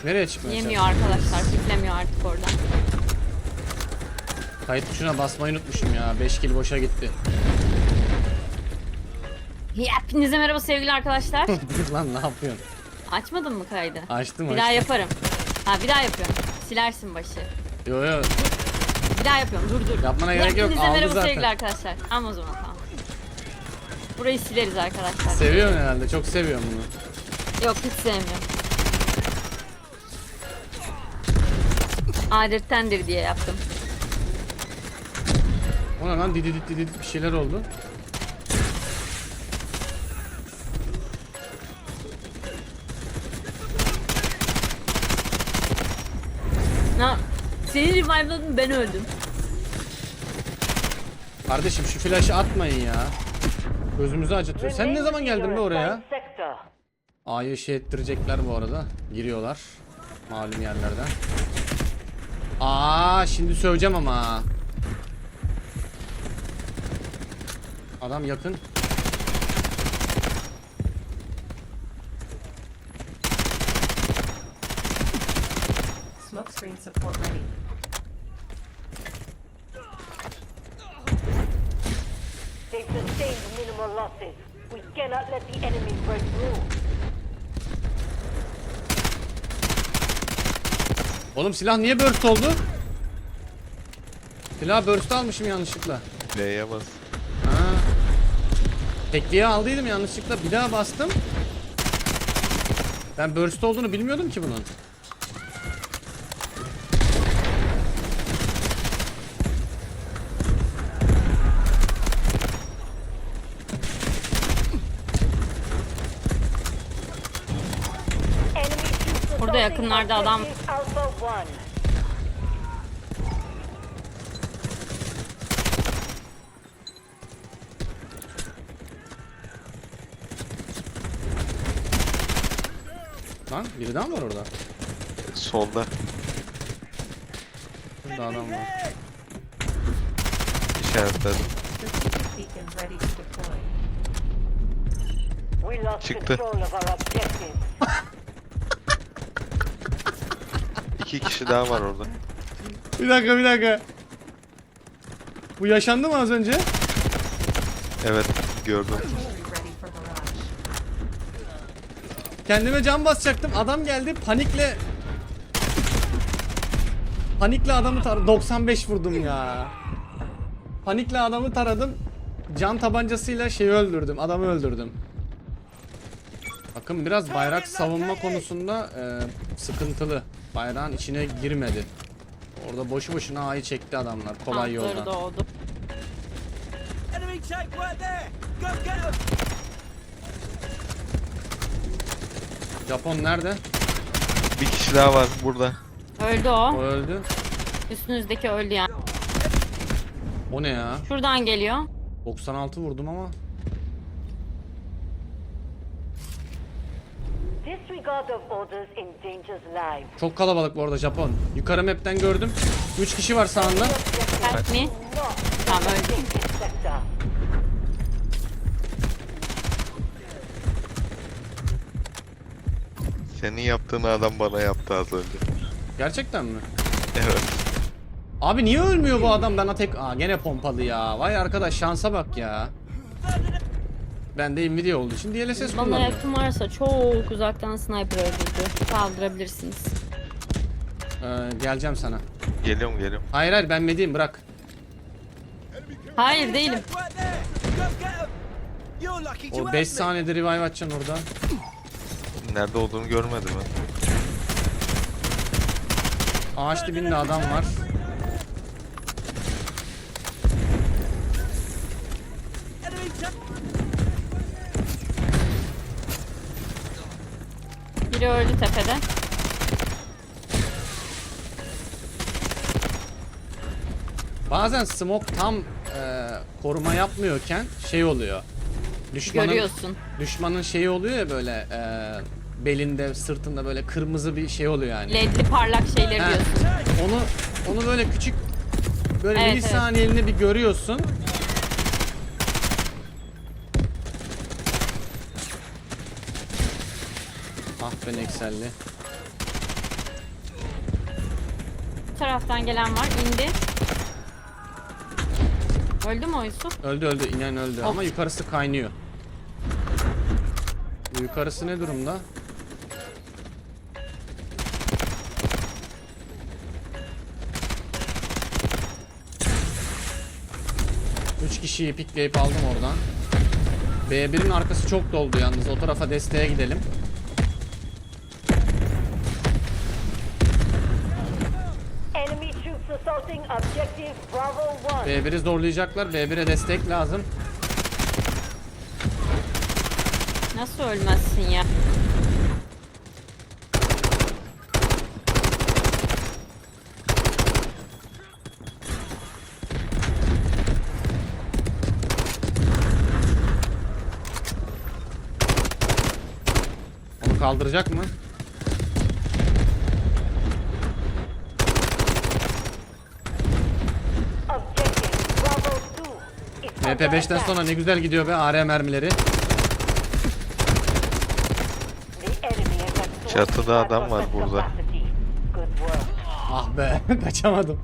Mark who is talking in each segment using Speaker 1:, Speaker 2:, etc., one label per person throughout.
Speaker 1: Nereye çıkmaya
Speaker 2: Yemiyor arkadaşlar. Fitlemiyor artık oradan.
Speaker 1: Kayıt tuşuna basmayı unutmuşum ya. 5 kill boşa gitti.
Speaker 2: Hepinize merhaba sevgili arkadaşlar.
Speaker 1: Lan ne yapıyorsun?
Speaker 2: Açmadın mı kaydı?
Speaker 1: Açtım.
Speaker 2: Bir daha yaparım. Ha bir daha yapıyorum. Silersin başı.
Speaker 1: Yo yo.
Speaker 2: Bir daha yapıyorum. Dur.
Speaker 1: Yapmana gerek yok.
Speaker 2: Hepinize
Speaker 1: Aldı
Speaker 2: merhaba
Speaker 1: zaten.
Speaker 2: sevgili arkadaşlar. Ama o zaman tamam. Burayı sileriz arkadaşlar.
Speaker 1: Seviyorsun herhalde. Çok seviyorum bunu.
Speaker 2: Yok hiç sevmiyorum. Adettendir diye yaptım.
Speaker 1: Ona lan dididit dididit bir şeyler oldu.
Speaker 2: Na, senin revive'ladın, ben öldüm.
Speaker 1: Kardeşim şu flaşı atmayın ya. Gözümüzü acıtıyor. Sen ne zaman geldin be oraya? A'yı şey ettirecekler bu arada. Giriyorlar. Malum yerlerden. Şimdi söveceğim ama. Adam yakın.
Speaker 3: Smoke screen support ready.
Speaker 4: They've sustained minimal losses. We cannot let the enemy break through.
Speaker 1: Oğlum silah niye burst oldu? Silah burst almışım yanlışlıkla.
Speaker 5: L'ye bas.
Speaker 1: Ha. Tekliğe aldıydım yanlışlıkla. Bir daha bastım. Ben burst olduğunu bilmiyordum ki bunun.
Speaker 4: Enemy troops
Speaker 2: Burada yakınlarda adam.
Speaker 4: Alpha 1.
Speaker 1: Lan biri daha mı var orada?
Speaker 5: Solda.
Speaker 1: Burada adam var.
Speaker 5: İşaretledim.
Speaker 3: Strategic beacon ready to deploy.
Speaker 4: We lost
Speaker 5: Çıktı.
Speaker 4: control of our objective.
Speaker 5: 2 kişi daha var orada.
Speaker 1: Bir dakika. Bu yaşandı mı az önce?
Speaker 5: Evet gördüm.
Speaker 3: Artillery ready for barrage.
Speaker 1: Kendime can basacaktım. Adam geldi panikle adamı taradım. 95 vurdum ya. Panikle adamı taradım. Can tabancasıyla şeyi öldürdüm. Adamı öldürdüm. Bakın biraz bayrak savunma konusunda sıkıntılı. Bayrağın içine girmedi. Orada boşu boşuna A'yı çekti adamlar. Kolay
Speaker 2: Tankları
Speaker 1: yoldan.
Speaker 2: doğdu.
Speaker 6: Enemy tank right there! Go get him!
Speaker 1: Japon nerede?
Speaker 5: Bir kişi daha var burada.
Speaker 2: Öldü
Speaker 1: O
Speaker 2: o.
Speaker 1: öldü.
Speaker 2: Üstünüzdeki öldü yani.
Speaker 1: O ne ya?
Speaker 2: Şuradan geliyor.
Speaker 1: 96 vurdum ama.
Speaker 4: Disregard of orders endangers lives.
Speaker 1: Çok kalabalık bu arada Japon. Yukarı map'ten gördüm. 3 kişi var sağında.
Speaker 2: Help me.
Speaker 4: Not
Speaker 2: Tamam öldü.
Speaker 4: take this sector.
Speaker 5: Senin yaptığını adam bana yaptı az önce.
Speaker 1: Gerçekten mi?
Speaker 5: Evet.
Speaker 1: Abi niye ölmüyor bu adam? Bana tek... Gene pompalı ya. Vay arkadaş şansa bak ya. Ben de Nvidia olduğu için DLSS
Speaker 2: Bana
Speaker 1: kullanıyorum.
Speaker 2: yakın varsa çok uzaktan sniper öldürdü. Kaldırabilirsiniz.
Speaker 1: Geleceğim sana.
Speaker 5: Geliyorum.
Speaker 1: Hayır ben medeyim bırak.
Speaker 2: Hayır değilim.
Speaker 6: Tank right there! Go get him! You're lucky to
Speaker 1: O
Speaker 6: have
Speaker 1: 5
Speaker 6: me.
Speaker 1: saniyede revive atacaksın orada.
Speaker 5: Nerede olduğunu görmedim ben.
Speaker 1: Ağaç dibinde adam var.
Speaker 6: Enemy tank!
Speaker 2: Biri öldü tepede.
Speaker 1: Bazen smoke tam koruma yapmıyorken şey oluyor.
Speaker 2: Görüyorsun.
Speaker 1: Düşmanın şeyi oluyor ya böyle belinde, sırtında böyle kırmızı bir şey oluyor yani.
Speaker 2: Ledli parlak şeyleri
Speaker 1: He.
Speaker 2: diyorsun.
Speaker 1: Onu böyle küçük böyle
Speaker 2: Evet,
Speaker 1: milisaniyeliğini bir görüyorsun. Ah be Nexel'li.
Speaker 2: Şu taraftan gelen var. İndi. Öldü mü o Yusuf?
Speaker 1: Öldü öldü. İnen öldü ama yukarısı kaynıyor. Yukarısı ne durumda? Üç kişiyi pikleyip aldım oradan. B1'in arkası çok doldu yalnız. O tarafa desteğe gidelim.
Speaker 4: Enemy troops assaulting objective Bravo 1.
Speaker 1: B1'i zorlayacaklar. B1'e destek lazım.
Speaker 2: Nasıl ölmezsin ya?
Speaker 1: Onu kaldıracak mı?
Speaker 4: Objective Bravo 2 is under
Speaker 1: MP5'ten
Speaker 4: attack.
Speaker 1: sonra ne güzel gidiyor be AR mermileri.
Speaker 4: The enemy has absorbed
Speaker 5: Çatıda adam var
Speaker 4: surface
Speaker 5: burada.
Speaker 4: capacity. Good work.
Speaker 1: Ah be kaçamadım.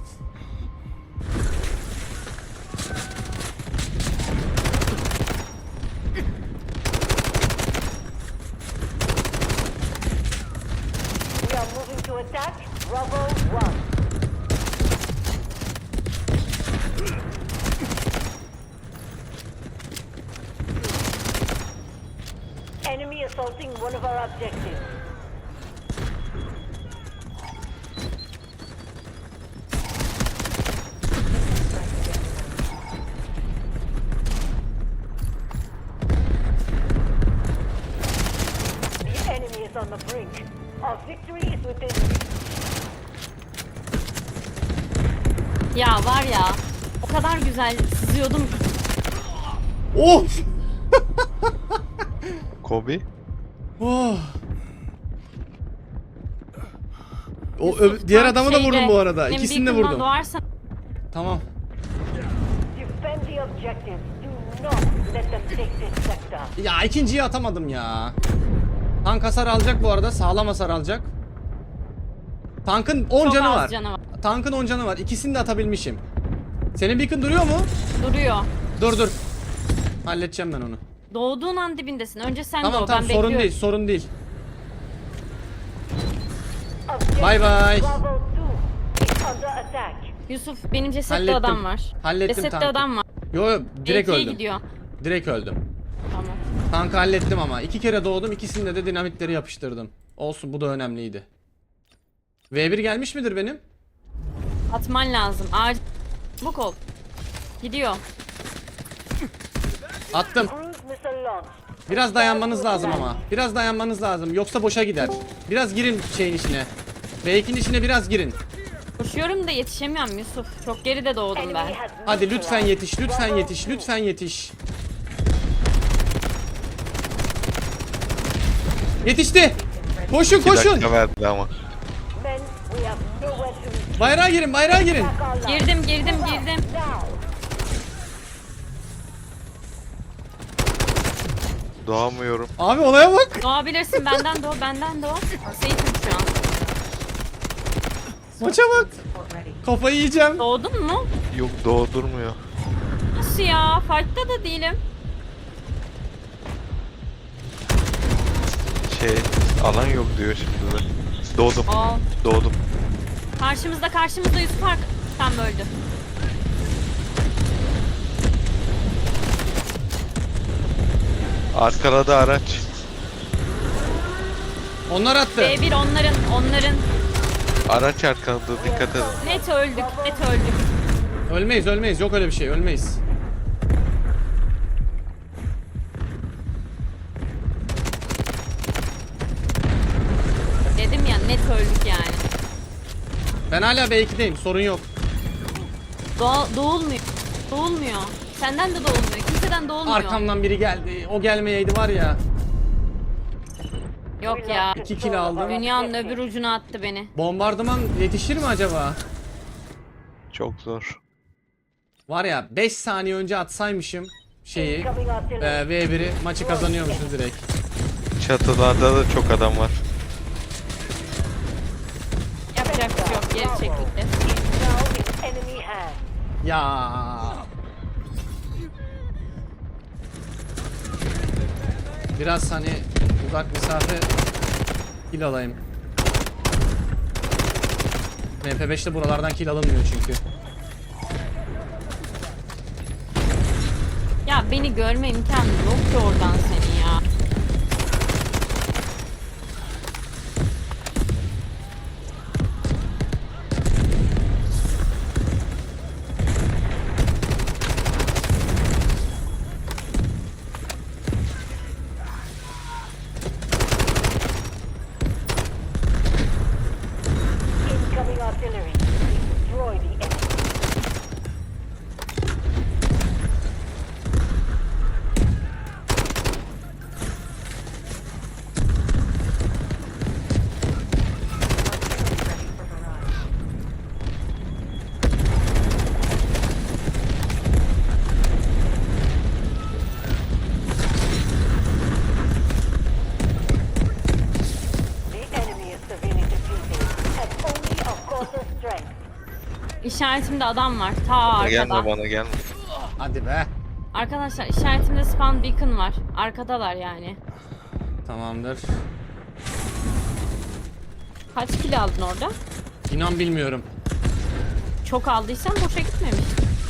Speaker 4: We are moving to attack Bravo 1. Enemy assaulting one of our objectives. The enemy is on the brink. Our victory is within reach.
Speaker 2: Ya var ya. O kadar güzel sızıyordum.
Speaker 1: Of!
Speaker 5: Kobe.
Speaker 1: Oh! Diğer adamı da vurdum bu arada.
Speaker 2: Benim
Speaker 1: İkisini de
Speaker 2: beacon'dan
Speaker 1: vurdum.
Speaker 2: doğarsan
Speaker 1: Tamam.
Speaker 4: Defend the objectives. Do not let them take this sector.
Speaker 1: Ya ikinciyi atamadım ya. Tank hasar alacak bu arada. Sağlam hasar alacak. Tankın 10
Speaker 2: çok
Speaker 1: canı
Speaker 2: az
Speaker 1: var.
Speaker 2: canı var.
Speaker 1: Tankın 10 canı var. İkisini de atabilmişim. Senin beacon duruyor mu?
Speaker 2: Duruyor.
Speaker 1: Dur. Halledeceğim ben onu.
Speaker 2: Doğduğun an dibindesin. Önce sen
Speaker 1: Tamam
Speaker 2: doğ.
Speaker 1: tamam
Speaker 2: Ben
Speaker 1: sorun
Speaker 2: bekliyorum.
Speaker 1: değil sorun değil.
Speaker 4: Objective
Speaker 1: Bye bye.
Speaker 4: Bravo 2 is under attack.
Speaker 2: Yusuf benim cesetli
Speaker 1: Hallettim.
Speaker 2: adam var.
Speaker 1: Hallettim
Speaker 2: Cesetli
Speaker 1: tankı.
Speaker 2: adam var.
Speaker 1: Yo direkt
Speaker 2: B2'ye
Speaker 1: öldüm.
Speaker 2: gidiyor.
Speaker 1: Direkt öldüm.
Speaker 2: Tamam.
Speaker 1: Tankı hallettim ama. 2 kere doğdum. İkisinde de dinamitleri yapıştırdım. Olsun bu da önemliydi. V1 gelmiş midir benim?
Speaker 2: Atman lazım. Acil. Bu kol. Gidiyor.
Speaker 1: Attım.
Speaker 4: Cruise missile launched.
Speaker 1: Biraz dayanmanız lazım ama. Biraz dayanmanız lazım. Yoksa boşa gider. Biraz girin şeyin içine. V2'nin içine biraz girin.
Speaker 2: Koşuyorum da yetişemiyorum Yusuf. Çok geride doğdum
Speaker 4: Enemy
Speaker 2: ben.
Speaker 4: has
Speaker 1: Hadi lütfen
Speaker 4: neutralized
Speaker 1: yetiş. Lütfen
Speaker 4: Bravo
Speaker 1: yetiş.
Speaker 4: 2.
Speaker 1: Lütfen yetiş. Yetişti. Koşun
Speaker 5: 2
Speaker 1: koşun.
Speaker 5: dakika verdi ama.
Speaker 4: Men, we have nowhere to retreat.
Speaker 1: Bayrağa girin. Bayrağa girin.
Speaker 4: Back our line.
Speaker 2: Girdim.
Speaker 4: Now.
Speaker 5: Doğamıyorum.
Speaker 1: Abi olaya bak.
Speaker 2: Doğabilirsin. Benden doğ. Seyfim şu an.
Speaker 1: Maça bak.
Speaker 3: Support ready.
Speaker 1: Kafayı yiyeceğim.
Speaker 2: Doğdun mu?
Speaker 5: Yok doğdurmuyor.
Speaker 2: Nasıl ya? Fight'ta da değilim.
Speaker 5: Alan yok diyor şimdi de. Doğdum.
Speaker 2: Aa.
Speaker 5: Doğdum.
Speaker 2: Karşımızda Yusuf tam öldü.
Speaker 5: Arkada araç.
Speaker 1: Onlar attı.
Speaker 2: B1 onların.
Speaker 5: Araç arkada dikkat edin.
Speaker 2: Net öldük.
Speaker 1: Ölmeyiz. Yok öyle bir şey. Ölmeyiz.
Speaker 2: Dedim ya net öldük yani.
Speaker 1: Ben hala B2'deyim. Sorun yok.
Speaker 2: Doğulmuyor. Senden de doğulmuyor. Kimseden doğulmuyor.
Speaker 1: Arkamdan biri geldi. O gelmeyeydi var ya.
Speaker 2: Yok ya.
Speaker 1: 2 kill aldım.
Speaker 2: Dünyanın öbür ucuna attı beni.
Speaker 1: Bombardıman yetişir mi acaba?
Speaker 5: Çok zor.
Speaker 1: Var ya 5 saniye önce atsaymışım şeyi
Speaker 4: Incoming artillery.
Speaker 1: V1'i maçı kazanıyormuşuz direkt.
Speaker 5: Çatılarda da çok adam var.
Speaker 2: Yapacak bir şey yok. Geri çekildi.
Speaker 1: Ya. Biraz hani uzak mesafe kill alayım. MP5'te buralardan kill alınmıyor çünkü.
Speaker 2: Ya beni görme imkanı yok ki oradan seni ya.
Speaker 4: Incoming artillery. Destroy the enemy.
Speaker 3: Artillery ready for barrage.
Speaker 4: The enemy is severely defeated and only a cause of strength.
Speaker 2: İşaretimde adam var. Ta
Speaker 5: Gelme
Speaker 2: arkada.
Speaker 5: bana gelme.
Speaker 1: Hadi be.
Speaker 2: Arkadaşlar işaretimde spawn beacon var. Arkadalar yani.
Speaker 1: Tamamdır.
Speaker 2: Kaç kilo aldın orada?
Speaker 1: İnan bilmiyorum.
Speaker 2: Çok aldıysan boşa gitmemiş.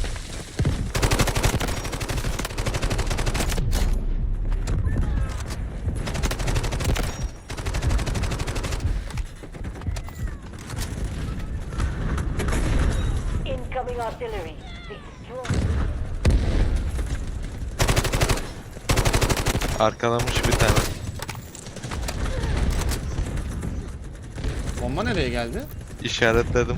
Speaker 4: Incoming artillery. Destroy.
Speaker 5: Arkalamış bir tane.
Speaker 1: Bomba nereye geldi?
Speaker 5: İşaretledim.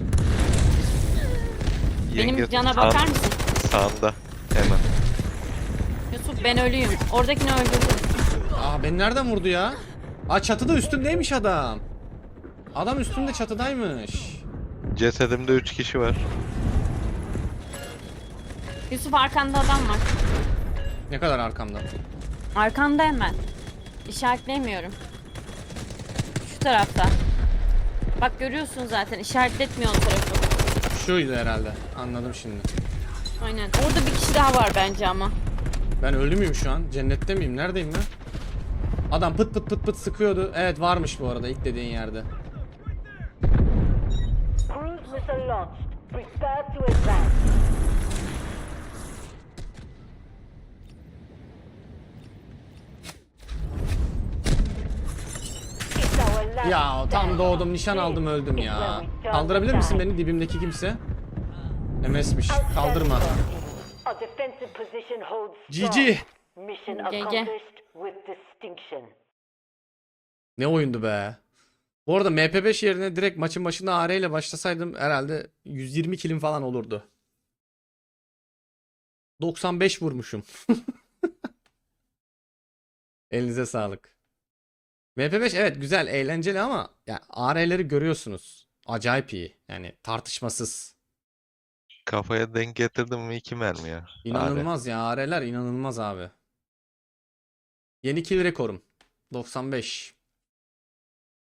Speaker 2: Benim
Speaker 5: Yenge
Speaker 2: cana bakar mısın?
Speaker 5: Sağında. Hemen.
Speaker 2: Yusuf ben ölüyüm. Oradakini öldürdüm.
Speaker 1: Aa beni nereden vurdu ya? Aa çatıda üstümdeymiş adam. Adam üstümde çatıdaymış.
Speaker 5: Cesedimde 3 kişi var.
Speaker 2: Yusuf arkanda adam var.
Speaker 1: Ne kadar arkamda?
Speaker 2: Arkanda hemen. İşaretleyemiyorum. Şu tarafta. Bak görüyorsun zaten işaretletmiyor o tarafı.
Speaker 1: Şuydu herhalde. Anladım şimdi.
Speaker 2: Aynen. Orada bir kişi daha var bence ama.
Speaker 1: Ben ölü müyüm şu an? Cennette miyim? Neredeyim ben? Adam pıt pıt pıt pıt sıkıyordu. Evet varmış bu arada ilk dediğin yerde.
Speaker 4: Cruise missile launched. Prepare to advance. It's our last
Speaker 1: Ya tam
Speaker 4: stand.
Speaker 1: doğdum nişan aldım öldüm
Speaker 4: This is
Speaker 1: ya.
Speaker 4: where we turn
Speaker 1: Kaldırabilir
Speaker 4: the
Speaker 1: misin
Speaker 4: tide.
Speaker 1: beni dibimdeki kimse? MS'miş.
Speaker 4: Outstanding
Speaker 1: Kaldırma.
Speaker 4: work, team. Our defensive position holds strong.
Speaker 1: GG.
Speaker 4: Mission
Speaker 2: GG.
Speaker 4: accomplished with distinction.
Speaker 1: Ne oyundu be. Bu arada MP5 yerine direkt maçın başında AR ile başlasaydım herhalde 120 kilim falan olurdu. 95 vurmuşum. Elinize sağlık. MP5 evet güzel, eğlenceli ama ya AR'leri görüyorsunuz. Acayip iyi. Yani tartışmasız.
Speaker 5: Kafaya denk getirdim mi 2 mermi ya.
Speaker 1: İnanılmaz ya, AR'ler inanılmaz abi. Yeni kill rekorum. 95.